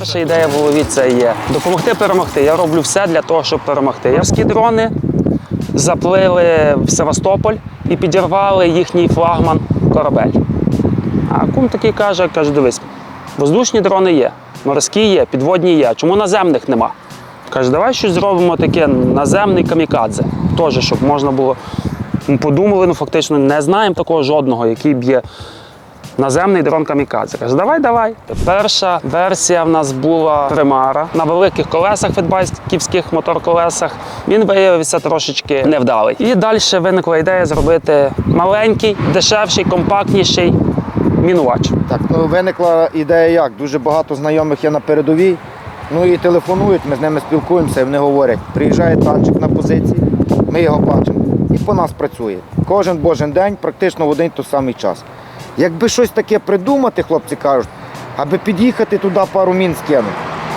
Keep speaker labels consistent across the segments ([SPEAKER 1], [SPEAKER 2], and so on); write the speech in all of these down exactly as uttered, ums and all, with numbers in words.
[SPEAKER 1] перша ідея в голові – це є допомогти перемогти. Я роблю все для того, щоб перемогти. Морські дрони заплили в Севастополь і підірвали їхній флагман корабель. А кум такий каже, каже, дивись, воздушні дрони є, морські є, підводні є, чому наземних нема? Каже, давай щось зробимо таке, наземний камікадзе, теж, щоб можна було, ми подумали, ну фактично не знаємо такого жодного, який б'є наземний дрон камікадзе. Каже, давай, давай. Перша версія в нас була Примара на великих колесах, фетбайківських моторколесах. Він виявився трошечки невдалий. І далі виникла ідея зробити маленький, дешевший, компактніший мінувач.
[SPEAKER 2] Так, ну виникла ідея як? Дуже багато знайомих є на передовій, ну і телефонують, ми з ними спілкуємося, і вони говорять, приїжджає танчик на позиції, ми його бачимо, і по нас працює. Кожен божий день, практично в один той самий час. Якби щось таке придумати, хлопці кажуть, аби під'їхати туди пару мін скинути.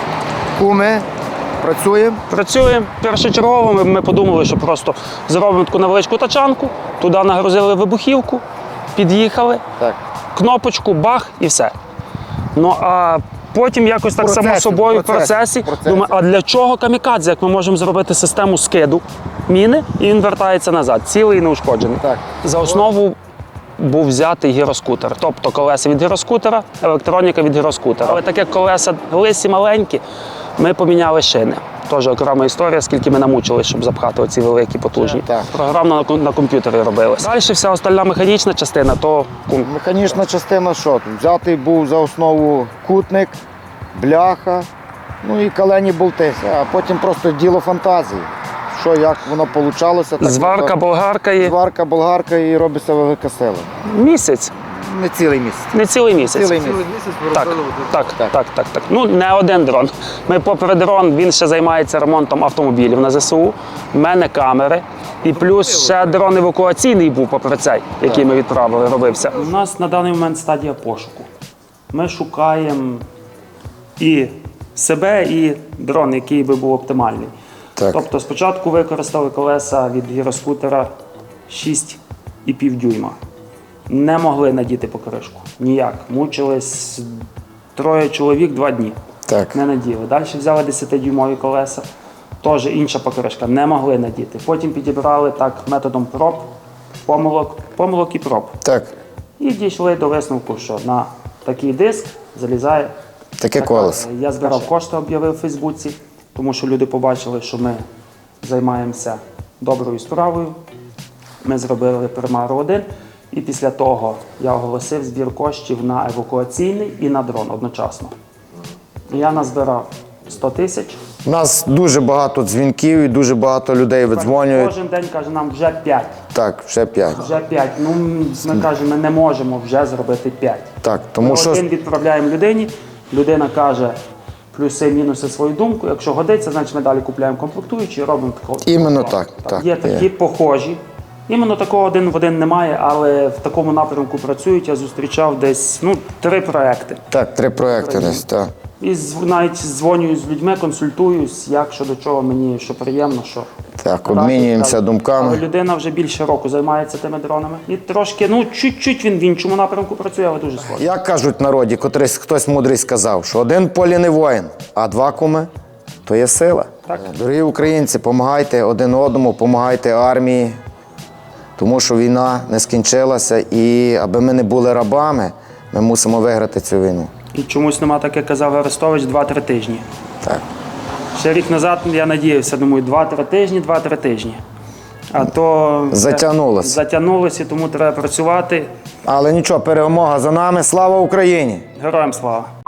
[SPEAKER 2] Куми, працюємо.
[SPEAKER 1] Працюємо. Першочергово ми, ми подумали, що просто зробимо таку невеличку тачанку, туди нагрузили вибухівку, під'їхали, так. Кнопочку, бах і все. Ну а потім якось так процесі, само собою в процесі, процесі, процесі. Думаю, а для чого камікадзе, як ми можемо зробити систему скиду міни, і він вертається назад, цілий і неушкоджений. Так. За основу був взятий гіроскутер, тобто колеса від гіроскутера, електроніка від гіроскутера. Але так як колеса лисі маленькі, ми поміняли шини. Теж окрема історія, скільки ми намучились, щоб запхати оці великі, потужні. Так. Програмно на, на комп'ютері робилось. Далі вся остальна механічна частина, то...
[SPEAKER 2] Механічна частина що? Взятий був за основу кутник, бляха, ну і калені болти. А потім просто діло фантазії. Що, як воно вийшло.
[SPEAKER 1] Зварка, болгарка і...
[SPEAKER 2] Зварка, болгарка і робиться велика сила.
[SPEAKER 1] Місяць.
[SPEAKER 2] Не цілий місяць.
[SPEAKER 1] Не цілий місяць.
[SPEAKER 2] Цілий місяць.
[SPEAKER 1] Так, так, так, так, так, так. Ну, не один дрон. Ми попри дрон, він ще займається ремонтом автомобілів на ЗСУ. У мене камери. І плюс ще дрон евакуаційний був попри цей, який ми відправили, робився. У нас на даний момент стадія пошуку. Ми шукаємо і себе, і дрон, який би був оптимальний. Так. Тобто спочатку використали колеса від гіроскутера шість і пів дюйма. Не могли надіти покришку. Ніяк. Мучились троє чоловік два дні. Так. Не наділи. Далі взяли десятидюймові колеса. Теж інша покришка. Не могли надіти. Потім підібрали так методом проб, помилок, помилок і проб. Так. І дійшли до висновку, що на такий диск залізає
[SPEAKER 2] таке колесо.
[SPEAKER 1] Я збирав кошти, об'явив у Фейсбуці, тому що люди побачили, що ми займаємося доброю справою. Ми зробили Примару один. І після того я оголосив збір коштів на евакуаційний і на дрон одночасно. Я назбирав сто тисяч.
[SPEAKER 2] У нас дуже багато дзвінків і дуже багато людей видзвонюють.
[SPEAKER 1] Кожен день каже, нам вже п'ять.
[SPEAKER 2] Так, вже п'ять.
[SPEAKER 1] Вже п'ять. Ну, ми кажемо, ми не можемо вже зробити п'ять.
[SPEAKER 2] Так, тому
[SPEAKER 1] ми
[SPEAKER 2] що...
[SPEAKER 1] один відправляємо людині, людина каже плюси-мінуси свою думку. Якщо годиться, значить ми далі купуємо комплектуючі і робимо такого.
[SPEAKER 2] Іменно так. так.
[SPEAKER 1] Є такі похожі. Іменно такого один в один немає, але в такому напрямку працюють. Я зустрічав десь ну, три проекти. Так, три проекти десь, так. І навіть дзвоню з людьми, консультуюсь, як, що до чого, мені що приємно, що... Так, обмінюємося думками. Але людина вже більше року займається тими дронами. І трошки, ну, чуть-чуть він в іншому напрямку працює, але дуже схоже.
[SPEAKER 2] Як кажуть в народі, котрийсь, хтось мудрий сказав, що один в полі не воїн, а два куми – то є сила. Так. Дорогі українці, допомагайте один одному, допомагайте армії. Тому що війна не скінчилася і аби ми не були рабами, ми мусимо виграти цю війну.
[SPEAKER 1] І чомусь нема, так як казав Арестович, два-три тижні.
[SPEAKER 2] Так.
[SPEAKER 1] Ще рік назад я надіявся, думаю, два-три тижні, два-три тижні. А то
[SPEAKER 2] затягнулося.
[SPEAKER 1] Затягнулося, тому треба працювати.
[SPEAKER 2] Але нічого, перемога за нами. Слава Україні!
[SPEAKER 1] Героям слава!